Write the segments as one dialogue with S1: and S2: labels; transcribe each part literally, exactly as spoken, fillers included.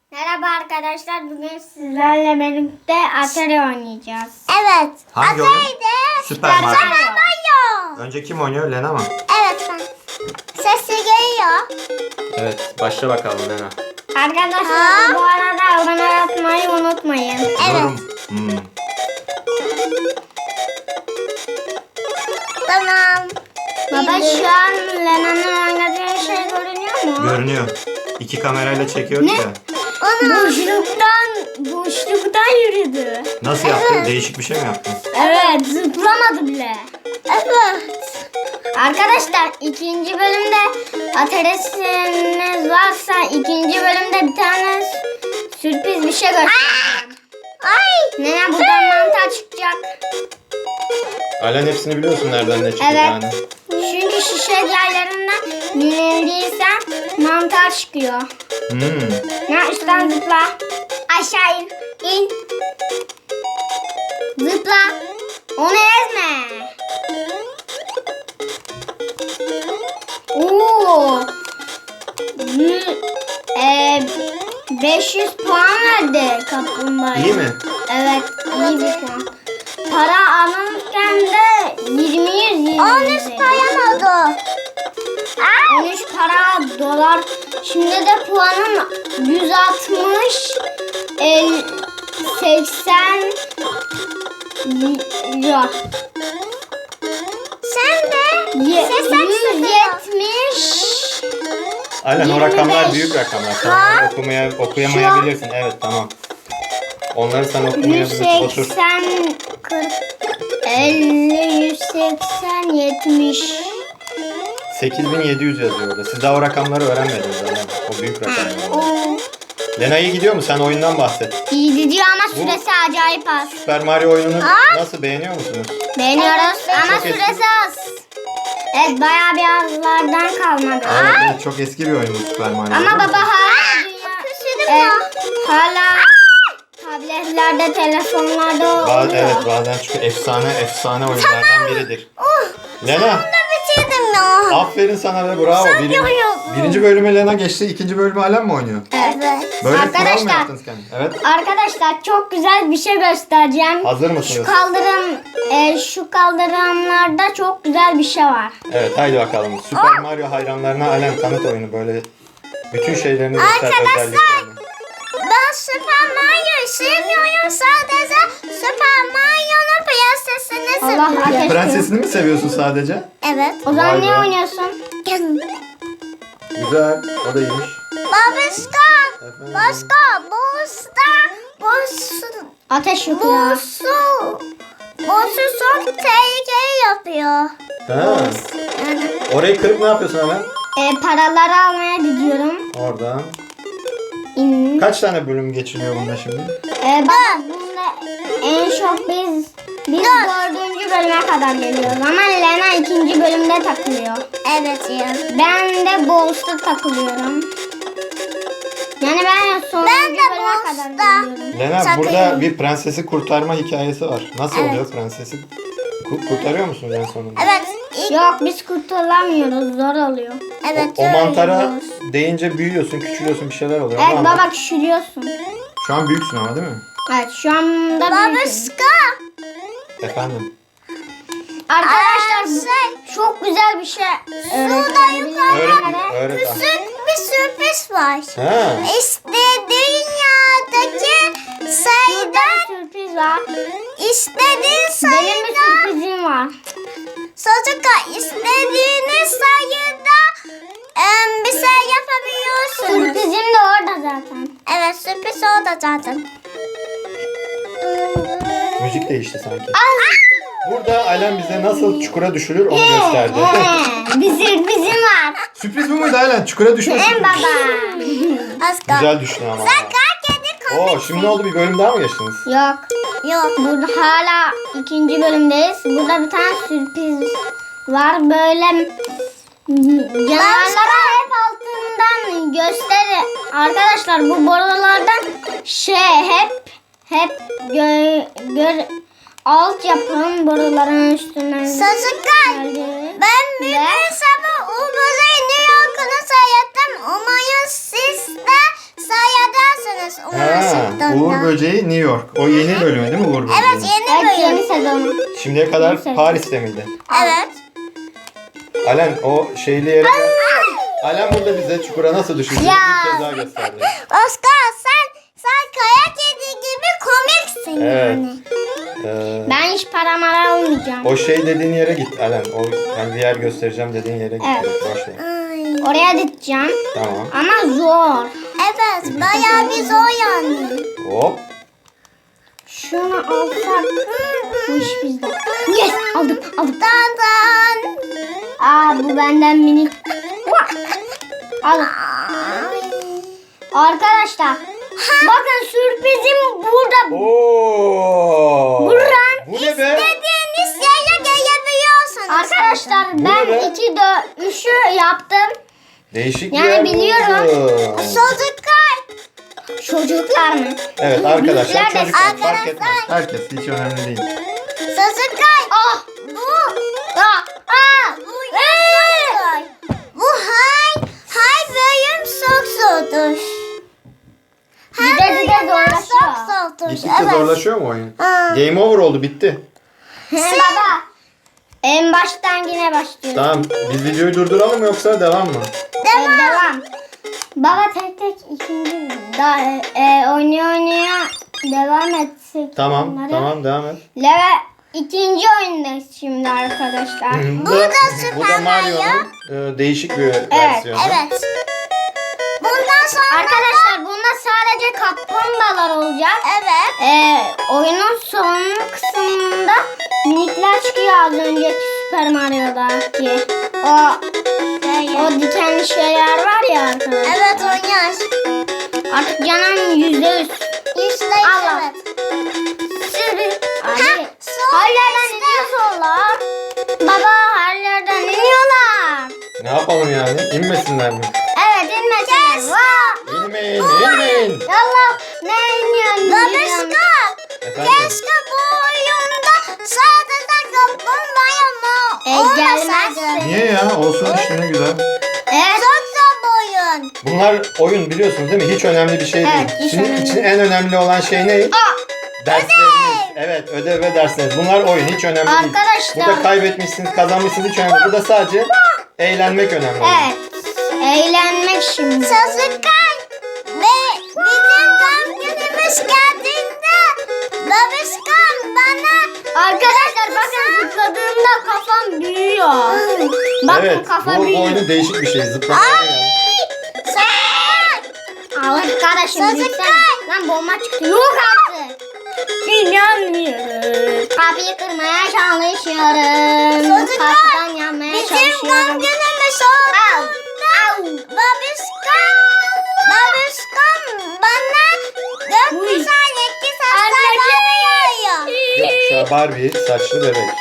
S1: Merhaba arkadaşlar, bugün sizlerle birlikte Atari oynayacağız.
S2: Evet.
S3: Hangi oyun?
S2: Atari'de
S3: Süper Mario.
S2: Mario.
S3: Önce kim oynuyor? Lena mı?
S2: Evet ben. Sesi geliyor.
S3: Evet. Başla bakalım Lena.
S1: Arkadaşlar
S2: Ha?
S1: bu arada abone yapmayı unutmayın.
S2: Evet.
S3: Yorum. Hmm.
S2: Tamam.
S1: Baba
S2: Bildim.
S1: şu an Lena'nın oynadığı şey görünüyor mu?
S3: Görünüyor. İki kamerayla çekiyor
S1: Ne?
S3: ya.
S2: Onu
S1: Boşluktan, boşluktan yürüdü.
S3: Nasıl yaptın? Değişik bir şey mi yaptın?
S1: Evet, zıplamadı bile.
S2: evet.
S1: Arkadaşlar ikinci bölümde Atari'siniz varsa ikinci bölümde bir tane sürpriz bir şey göstereceğim.
S2: Ay.
S1: Nene buradan mantar çıkacak.
S3: Alen hepsini biliyorsun nereden ne çıkıyor
S1: Evet.
S3: yani.
S1: Çünkü şişe yerlerinden dinlendiysen mantar çıkıyor.
S3: Hmm.
S1: Ne üstten zıpla. Aşağı in. İn. Zıpla. Onu ezme. Oo. Yü- e, beş yüz puan verdi kaplumbağa.
S3: İyi mi?
S1: Evet, iyi bir puan. Para alırken de yirmi yüz yirmi
S2: On
S1: yüz.
S2: üç param oldu.
S1: on üç para dolar. Şimdi de puanım yüz altmış el, seksen lira.
S2: Sen de
S1: Ye-
S2: seksen
S1: yüz yetmiş.
S3: Alen o
S1: yirmi
S3: rakamlar
S1: beş.
S3: büyük rakamlar. Tamam. Okumaya, okuyamayabilirsin. Evet tamam. Onları sen
S1: yüz
S3: okumayabilirsin. Otur.
S1: seksen kırk elli yüz seksen yetmiş.
S3: sekiz bin yedi yüz yazıyor orada. Siz daha o rakamları öğrenmediniz Alen. O büyük rakamlar.
S1: Oo,
S3: Lena iyi gidiyor mu? Sen oyundan bahset.
S1: iyi gidiyor ama süresi acayip az.
S3: Süper Mario oyununu nasıl beğeniyor musunuz?
S1: Beğeniyoruz
S2: Evet,
S1: ama
S3: çok eski.
S1: süresi az. Evet, bayağı bir azlardan kalmadı.
S3: Evet, evet, çok eski bir oyun bu Süper Mario.
S1: Ama baba hala
S2: Küsürdüm
S1: e,
S2: ya.
S1: hala tabletlerde, telefonlarda
S3: Bazı,
S1: oluyor.
S3: evet bazen çünkü efsane efsane oyunlardan biridir. Lena
S2: Da bitirdim ya.
S3: aferin sana ve bravo. Birinci,
S2: yapıyorsun.
S3: birinci bölümü Lena geçti. İkinci bölümü Alen mi oynuyor?
S2: Evet.
S3: Böyle kural mı
S1: Arkadaşlar-
S3: yaptınız kendiniz? Evet.
S1: Arkadaşlar çok güzel bir şey göstereceğim.
S3: Hazır
S1: Şu
S3: mısınız?
S1: kaldırım e, şu kaldırımlarda çok güzel bir şey var.
S3: Evet haydi bakalım. Süper Mario hayranlarına Alen tanıt oyunu böyle bütün şeylerini göster
S2: Arkadaşlar,
S3: özelliklerini.
S2: Ben Super Mario'yu sevmiyorum. Sadece Super Mario'nun prensesini
S1: Allah
S2: seviyorum.
S1: ateş.
S3: Prensesini mi seviyorsun sadece?
S2: Evet.
S1: O zaman
S3: Vay
S1: ne
S3: be.
S1: oynuyorsun?
S3: Güzel. O da iyiymiş.
S2: Babişka.
S3: Efendim?
S2: Başka. Bosta. Bosu.
S1: Ateş yakıyor.
S2: Bosu. Bosu çok tehlikeli yapıyor.
S3: Ha. Orayı kırıp ne yapıyorsun Alen?
S1: E, paraları almaya gidiyorum.
S3: Oradan.
S1: İn.
S3: Kaç tane bölüm geçiliyor bunda şimdi?
S1: E, baba bunda en çok biz biz dördüncü bölüme kadar geliyoruz ama Lena ikinci bölümde takılıyor.
S2: Evet ya.
S1: Ben de Bowls'ta takılıyorum. Yani ben sonuncu
S2: Ben de
S1: bölüme kadar
S2: Bowls'ta.
S1: geliyorum.
S3: Lena
S2: Sakın.
S3: burada bir prensesi kurtarma hikayesi var. Nasıl
S2: Evet.
S3: oluyor prensesi? Ku- kurtarıyor musunuz en sonunda?
S2: Evet. İlk,
S1: Yok, biz kurtulamıyoruz, zor oluyor.
S2: evet.
S3: O mantara
S2: söylüyoruz.
S3: değince büyüyorsun, küçülüyorsun, bir şeyler oluyor.
S1: Evet
S3: Ama
S1: baba, küçülüyorsun.
S3: şu an büyüksün ama değil mi?
S1: Evet, şu anda büyüksün.
S2: Babişka.
S3: Efendim.
S1: Arkadaşlar
S2: Aa,
S1: bu
S2: şey,
S1: çok güzel bir şey öğreteceğim.
S3: Öğret, öğret.
S2: küçük bir sürpriz var.
S3: Ha.
S2: İşte dünyadaki
S1: Burada
S2: sayıdan
S1: bir sürpriz var.
S2: istediğin
S1: Benim bir
S2: sayıda
S1: sürprizim var.
S2: çocuklar istediğiniz sayıda em, bir şey yapabiliyorsunuz.
S1: Sürprizim de orada zaten.
S2: Evet, sürpriz orada zaten.
S3: Müzik değişti sanki. Burada Alen bize nasıl çukura düşülür onu gösterdi.
S1: Ee, bir sürprizim var.
S3: Sürpriz bu muydu Alen? Çukura düşme
S1: En
S3: sürpriz.
S2: Az
S1: baba.
S2: kaldı.
S3: Güzel düştün ama.
S2: Kedi
S3: Oo, şimdi ne oldu? Bir bölüm daha mı geçtiniz?
S1: Yok.
S2: Yok.
S1: Burada hala ikinci bölümdeyiz. Burada bir tane sürpriz var. Böyle canavarlara hep altından gösteri. Arkadaşlar bu borulardan şey hep hep gö, gör, alt yapın boruların üstünden.
S2: Çocuklar,
S1: geldi.
S2: ben bir
S1: Ve-
S2: sabah Ubuz'u New York'unu seyrettim. Umarım siz de seyredersiniz. Onu
S3: Ha,
S2: Washington'da.
S3: Uğur Böceği New York. O yeni bölümü değil mi Uğur Böceği?
S2: Evet yeni
S1: Evet yeni
S2: bölüm.
S1: sezonu.
S3: Şimdiye kadar
S1: Yeni sezon.
S3: Paris'te miydi?
S2: Evet.
S3: Alen o şeyli yere gel. Alen burada bize çukura nasıl düşeceğini
S1: Ya.
S3: bir kez daha gösterdi.
S2: Oscar sen sen kaya kedi gibi komiksin
S3: Evet.
S2: yani.
S3: Ee,
S1: Ben hiç para mara almayacağım.
S3: o şey dediğin yere git Alen. O yani bir yer göstereceğim dediğin yere git.
S1: Evet.
S3: Boş ver.
S2: Ay.
S1: Oraya gideceğim.
S3: Tamam.
S1: Ama zor.
S2: Evet bayağı bir zor yani.
S3: Hop.
S1: Şunu alsak bu iş bizde. Yes aldım aldım.
S2: Dan dan.
S1: Aa bu benden minik. Al.
S2: Ay.
S1: Arkadaşlar bakın sürprizim burada.
S3: Oo.
S1: Buran.
S3: Bu ne be?
S2: Dediğiniz yere gelebiliyorsunuz.
S1: Arkadaşlar
S3: Bu ne
S1: ben
S3: be?
S1: iki dört üçü yaptım.
S3: Değişik
S1: Yani
S3: bir yer
S1: biliyorum.
S3: buldum.
S2: Çocuklar.
S1: Çocuklar mı?
S3: Evet arkadaşlar
S1: Büyükler de-
S3: çocuklar fark
S2: Arkadaşlar.
S3: etmez. Herkes hiç önemli değil.
S2: Çocuklar.
S1: Ah
S2: Bu.
S1: ah ah.
S2: Bu yasaktır. Bu hay. Hay bölüm çok zordur.
S1: Gide gide
S2: Çok
S1: zorlaşıyor.
S2: zordur.
S3: Gittikçe zorlaşıyor mu oyun?
S2: Ha.
S3: Game over oldu bitti.
S1: Baba. En baştan yine başlıyoruz.
S3: Tamam biz videoyu durduralım mı yoksa devam mı?
S1: Devam. devam. Baba tek tek ikinci da e, oynuyor oynuyor devam etsek.
S3: Tamam
S1: onları.
S3: tamam devam et.
S1: Level ikinci oyundayız şimdi arkadaşlar.
S3: Bu
S2: da
S3: da,
S2: Super
S3: bu da Mario'nun e, değişik bir versiyonu.
S2: Evet. Bundan sonra
S1: Arkadaşlar bunda sadece kaplumbağalar olacak.
S2: evet.
S1: E, oyunun son kısmında minikler çıkıyor az önceki Super Mario'daki. O o dikenli şeyler var ya arkadaşlar.
S2: Evet oynuyor.
S1: Artık canım yüzde yüz.
S2: İşte
S1: Allah.
S2: evet.
S1: Abi,
S2: son
S1: her yerden iniyorlar. Baba her yerden iniyorlar.
S3: Ne yapalım yani? İnmesinler mi?
S1: Evet inmesinler. Vaa.
S3: İnmeyin, inmeyin.
S1: Allah ne iniyorsun?
S2: Babişka.
S3: Efendim?
S2: Keşke bu oyunda sadece kaplumbağa mı
S1: E,
S2: olmasaydı.
S1: gelmezsin.
S3: Niye ya? Olsun işte ne güzel.
S1: Evet.
S2: Çok zor bu oyun.
S3: Bunlar oyun biliyorsunuz değil mi? Hiç önemli bir şey
S1: Evet,
S3: değil.
S1: hiç
S3: Sizin
S1: önemli
S3: için
S1: değil.
S3: en önemli olan şey ne?
S1: Aa,
S3: Dersleriniz. Evet ödev ve dersleriniz. Bunlar oyun hiç önemli değil.
S1: Arkadaşlar.
S3: Burada kaybetmişsiniz, kazanmışsınız hiç önemli değil. Burada sadece eğlenmek önemli.
S1: evet. Eğlenmek şimdi.
S2: Çocuklar ve bizim doğum günümüz geldiğinde babişkan bana
S1: Arkadaşlar bakın zıpladığımda kafam büyüyor. Bakın
S3: Evet
S1: kafa
S3: bu, bu
S1: büyüyor.
S3: oyunun değişik bir şey. Zıplamaya geldi.
S2: sen
S1: Arkadaşım
S2: Çocuklar.
S1: lütfen. Lan bomba çıktı. Yok artık. İnanmıyorum. Kapıyı kırmaya çalışıyorum.
S2: Çocuklar,
S1: Kapıdan yanmaya
S2: bizim doğum
S1: çalışıyorum.
S2: günümüz
S1: Au,
S2: olduğunda
S1: au.
S2: babişkan babişkan bana gökyüzünden iki saçlarını yağıyor.
S3: Gökkuşağı Barbie saçlı bebek.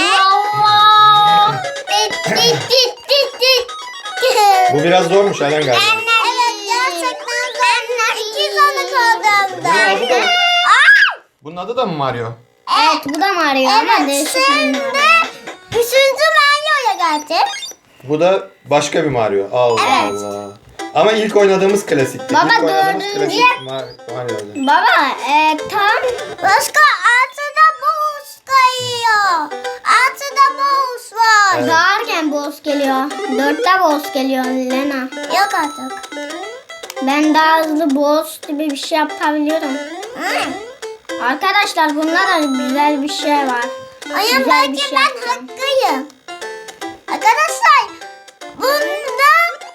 S1: Allah. Tit, tit, tit, tit, tit.
S3: Bu biraz zormuş Alen galiba.
S2: Evet gerçekten zor. İki sanık olduğumda.
S3: Bunun adı da mı? Bunun adı da mı Mario?
S1: Evet bu da Mario ama
S2: Evet
S1: değişik bir
S2: şimdi
S1: Mario.
S2: üçüncü Mario'ya geldik.
S3: Bu da başka bir Mario. Allah
S2: Evet.
S3: Allah. Ama ilk oynadığımız klasikti.
S1: Baba,
S3: ilk oynadığımız
S1: dördüncü-
S3: klasik Mar- Mario'ydu.
S1: Baba e, tam
S2: Başka altıda boss kayıyor. Altıda boss var.
S3: Evet.
S1: bağırken boss geliyor. Dörtte boss geliyor Lena.
S2: Yok artık.
S1: Ben daha hızlı boss gibi bir şey yapabiliyorum.
S2: Hmm.
S1: Arkadaşlar bunda da güzel bir şey var.
S2: Ayın
S1: Güzel bir
S2: belki
S1: şey
S2: ben
S1: yapacağım.
S2: hakkıyım. Arkadaşlar bunda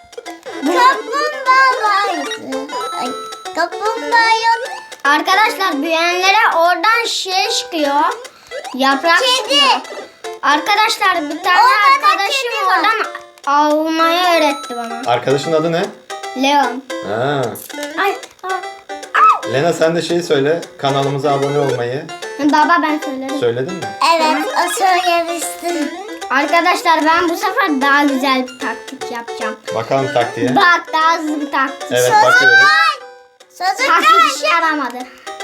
S2: kaplumbağa vardı. Ay, kaplumbağa yok.
S1: Arkadaşlar büyüyenlere oradan şey çıkıyor. Yaprak
S2: Kedi.
S1: çıkıyor. Arkadaşlar bir tane
S2: Orada da
S1: arkadaşım
S2: kedi var.
S1: oradan almayı öğretti bana.
S3: Arkadaşın adı ne?
S1: Leon.
S3: Ha.
S1: Ay, ay.
S3: Lena sen de şeyi söyle. Kanalımıza abone olmayı.
S1: Baba ben söylerim.
S3: Söyledin mi?
S2: Evet o söylemişti.
S1: Arkadaşlar ben bu sefer daha güzel bir taktik yapacağım.
S3: Bakalım taktiğe.
S1: Bak daha hızlı bir taktik.
S3: Evet bakıyoruz.
S1: Taktik
S2: Çocuklar
S1: işe yaramadı.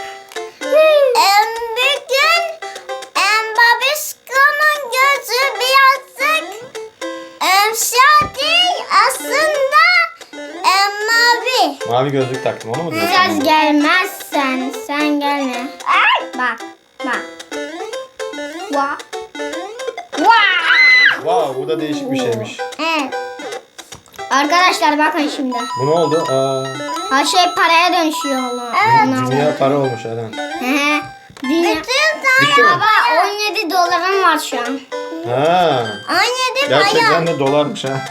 S2: em, bugün em, babişkamın gözü birazcık em, siyah değil aslında em, mavi.
S3: Mavi gözlük taktım, onu mu diyorsun?
S1: Biraz gelmezsen sen gelme. Bak bak. Vah. Vah.
S3: Wow, bu da değişik bir şeymiş.
S2: Evet.
S1: Arkadaşlar bakın şimdi.
S3: Bu ne oldu? Aa,
S1: Her şey paraya dönüşüyor oğlum.
S3: bu dünya para olmuş Eren.
S1: He. Dünya.
S3: Bitti mi?
S1: Baba on yedi dolarım var şu an.
S3: Ha,
S2: on yedi
S3: gerçekten
S2: bayan.
S3: de dolarmış ha.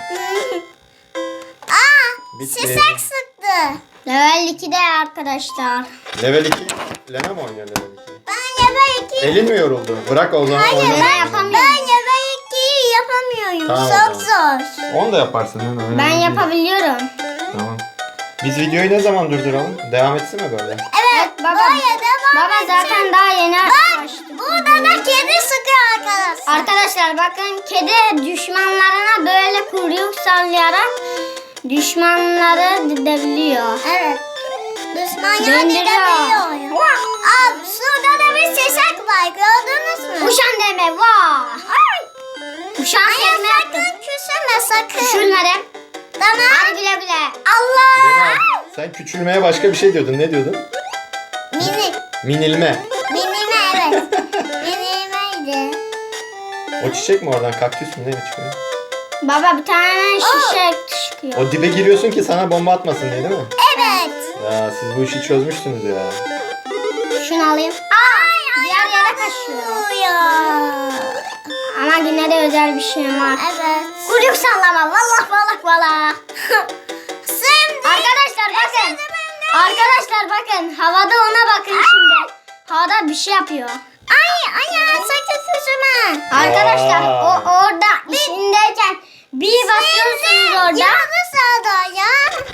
S2: Aa,
S3: Bitti.
S2: şişek sıktı.
S1: Level ikide arkadaşlar.
S3: Level iki. Lena mı oynuyor level iki?
S2: Ben level iki.
S3: Elin mi yoruldu? Bırak o zaman.
S2: Hayır
S3: oyna.
S2: ben,
S1: yapamıyorum.
S2: ben level ikiyi yapamıyorum.
S3: Tamam,
S2: Çok zor.
S3: Onu da yaparsın Lena. önemli
S1: Ben
S3: değil.
S1: yapabiliyorum.
S3: Tamam. Biz videoyu ne zaman durduralım? Devam etsin mi böyle?
S2: Evet,
S1: baba.
S2: böyle devam
S1: Baba
S2: edeceğim.
S1: zaten daha yeni başladı.
S2: Burada da kedi sıkıyor arkadaşlar.
S1: Arkadaşlar bakın kedi düşmanlarına böyle kuyruk sallayarak düşmanları gidebiliyor.
S2: Evet. Düşman
S1: Döndürüyor.
S2: gidebiliyor. Aa, şurada da bir şişek var. Gördünüz mü?
S1: Uşan deme vah. Uşan
S2: Hayır
S1: deme.
S2: sakın küsülme sakın.
S1: Küçülmedim.
S2: Tamam.
S1: Hadi güle güle. Allah.
S3: Lena, sen küçülmeye başka bir şey diyordun. Ne diyordun?
S2: Mini.
S3: Minilme.
S2: Minime evet. Minimeydi.
S3: O çiçek mi oradan? Kaktüs mü? Ne çıkıyor?
S1: Baba bir tane şişe çıkıyor.
S3: O dibe giriyorsun ki sana bomba atmasın diye değil mi?
S2: Evet.
S3: Ya siz bu işi çözmüşsünüz ya.
S1: Şunu alayım. Aa, diğer yere kaçıyor.
S2: Uyuyor.
S1: Ama yine de özel bir şey var.
S2: Evet.
S1: Kuyruk sallama. Vallah vallah vallah.
S2: Şimdi.
S1: Arkadaşlar bakın. Arkadaşlar bakın. Havada ona bakın şimdi. Havada bir şey yapıyor.
S2: Ay ay ay sakın küsülme.
S1: Arkadaşlar
S3: Vay.
S1: o orada işindeyken bir basıyorsunuz orada.
S2: Yanı sağda ya.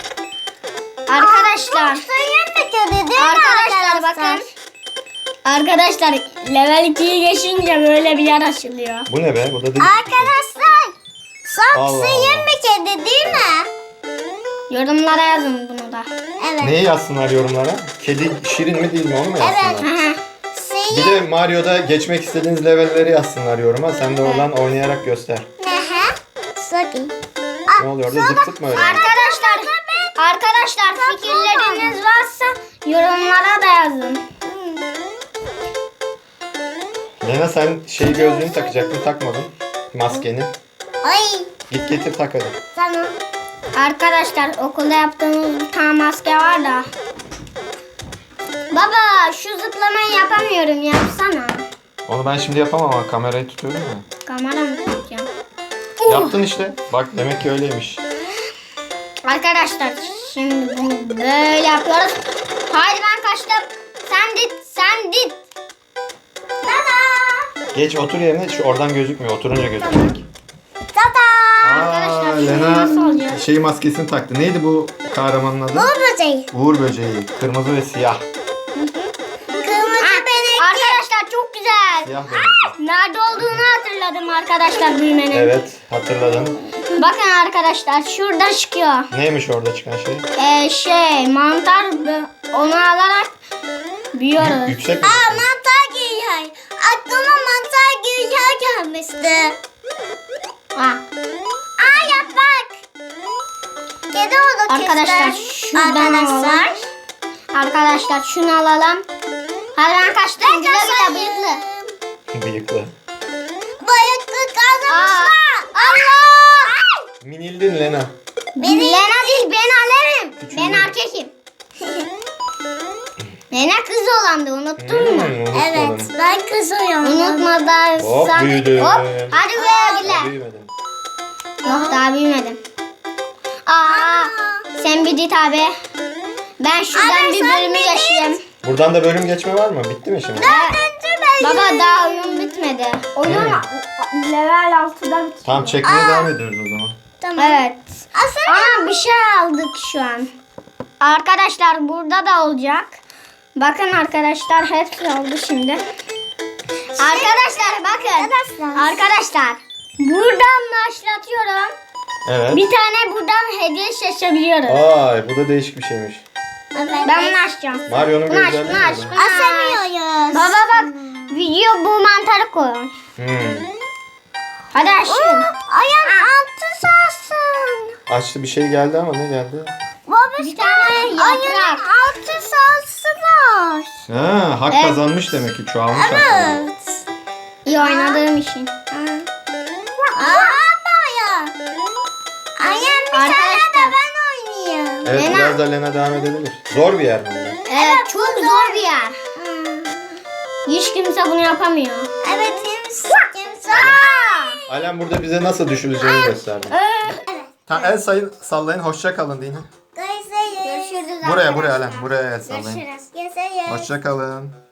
S1: Arkadaşlar.
S2: Suyun bitirdi değil mi
S1: Arkadaşlar bakın. Arkadaşlar level ikiyi geçince böyle bir yer açılıyor.
S3: Bu ne be? Bu da değil.
S2: Arkadaşlar. Sok
S3: Allah
S2: suyun
S3: Allah.
S2: bitirdi değil mi?
S1: Yorumlara yazın bunu da.
S2: Evet.
S3: Neyi yazsınlar yorumlara? Kedi şirin mi değil mi onu mu yazsınlar?
S2: Evet.
S1: Aha.
S3: Bir
S2: Suyun.
S3: de Mario'da geçmek istediğiniz levelleri yazsınlar yoruma. Sen de oradan oynayarak göster.
S2: Nehe. Soki.
S3: Ne oluyor orada? Zıp zıp mı öyle?
S1: Arkadaşlar arkadaşlar fikirleriniz varsa yorumlara da yazın.
S3: Lena sen şey gözlüğünü takacaktın, takmadın. Maskeni.
S2: Ay.
S3: Git getir tak hadi.
S2: Tamam.
S1: Arkadaşlar okulda yaptığımız bir tane maske var da. Baba şu zıplamayı yapamıyorum yapsana.
S3: Onu ben şimdi yapamam ama kamerayı tutuyorum ya.
S1: Kamera mı tutacağım?
S3: Yaptın işte. Bak demek ki öyleymiş.
S1: Arkadaşlar şimdi bunu böyle yapıyoruz. Haydi ben kaçtım. Sen dit sen dit.
S2: Tada.
S3: Geç otur yerine. Şu oradan gözükmüyor. Oturunca gözükecek.
S2: Tada.
S1: Arkadaşlar,
S3: Aa,
S1: şimdi
S3: Lena
S1: nasıl olacak?
S3: şey maskesini taktı. Neydi bu kahramanın adı?
S2: Bu böceği.
S3: Uğur böceği. Kırmızı ve siyah.
S2: Kırmızı benekli.
S1: Arkadaşlar çok güzel.
S3: Siyah benekli.
S1: Nerede olduğunu hatırladım arkadaşlar büyümenin.
S3: Evet hatırladım.
S1: Bakın arkadaşlar şurada çıkıyor.
S3: Neymiş orada çıkan şey?
S1: Ee, şey mantar onu alarak büyüyoruz.
S3: Yüksek mi?
S2: Aa mantar geliyor. Aklıma mantar geliyor gelmişti.
S1: Ha.
S2: Aa yap bak. Kedi oldu
S1: Arkadaşlar
S2: kızlar.
S1: şuradan
S2: Arkadaşlar.
S1: alalım. Arkadaşlar şunu alalım. Hadi ben kaçtım. Güle güle bıyıklı.
S3: Bıyıklı.
S2: Bayıklı
S1: Aa,
S2: kazanmışlar.
S1: Allah!
S3: Minildin Lena.
S2: Beni-
S1: Lena değil ben alırım.
S3: Küçüğüm.
S1: Ben erkekim. Lena kız olandı unuttun mu?
S3: Hmm,
S2: Evet
S3: unutmadım.
S2: ben kızıyorum.
S1: Unutmadan.
S3: Hop
S1: sen-
S3: büyüdüm.
S1: Hop. Hadi güle güle.
S3: Büyümedim.
S1: Yok daha büyümedim. Aa, sen bir dit abi. Ben şuradan
S2: Abi,
S1: bir
S2: sen
S1: bölümü
S2: bir
S1: yaşayayım.
S3: Buradan da bölüm geçme var mı? Bitti mi şimdi?
S2: Dördüncü bölüm.
S1: Baba daha oyun bitmedi. Oyun level altıda bitiyor.
S3: Tamam çekmeye devam ediyoruz o zaman.
S2: Tamam.
S1: Evet.
S2: Aslında
S1: Ama bir şey aldık şu an. Arkadaşlar burada da olacak. Bakın arkadaşlar hepsi oldu şimdi. Arkadaşlar bakın.
S2: Arkadaşlar.
S1: Arkadaşlar buradan başlatıyorum.
S3: Evet.
S1: Bir tane buradan hediye seçebiliyoruz.
S3: Ay bu da değişik bir şeymiş.
S2: evet.
S1: Ben bunu açacağım.
S3: Mario'nun bir
S1: Bunu aç,
S3: özelliği
S1: bunu
S3: mi
S1: aç,
S3: bu?
S1: bunu aç.
S2: Asamıyoruz.
S1: Baba bak video bu mantarı koy.
S3: Hmm.
S1: Hadi
S2: Oo,
S1: açın.
S2: ayağın altı sağsın.
S3: Açtı bir şey geldi ama ne geldi?
S2: Baba
S1: Bir tane yaprak.
S2: Altı salsılar.
S3: Ha, hak
S1: Evet.
S3: kazanmış demek ki çoğalmış hakları.
S2: Evet.
S1: İyi oynadığım için.
S2: Aa baya. Annem bir tane de
S1: Arkadaşlar.
S2: ben oynayayım.
S3: Evet
S1: Lena.
S3: biraz da Lena devam edebilir. Zor bir yer mi bu?
S1: Evet, çok zor bir yer. Hiç kimse bunu yapamıyor.
S2: Evet kimse. Kimse.
S3: Alem burada bize nasıl düşüleceğini gösterdi.
S1: Evet.
S3: Ha, el sayın, sallayın. Hoşça kalın deyin.
S2: Görüşürüz.
S1: Görüşürüz
S3: Buraya
S1: arkadaşlar.
S3: buraya Alem. Buraya el sallayın.
S1: Görüşürüz.
S2: Görüşürüz.
S3: Hoşça kalın.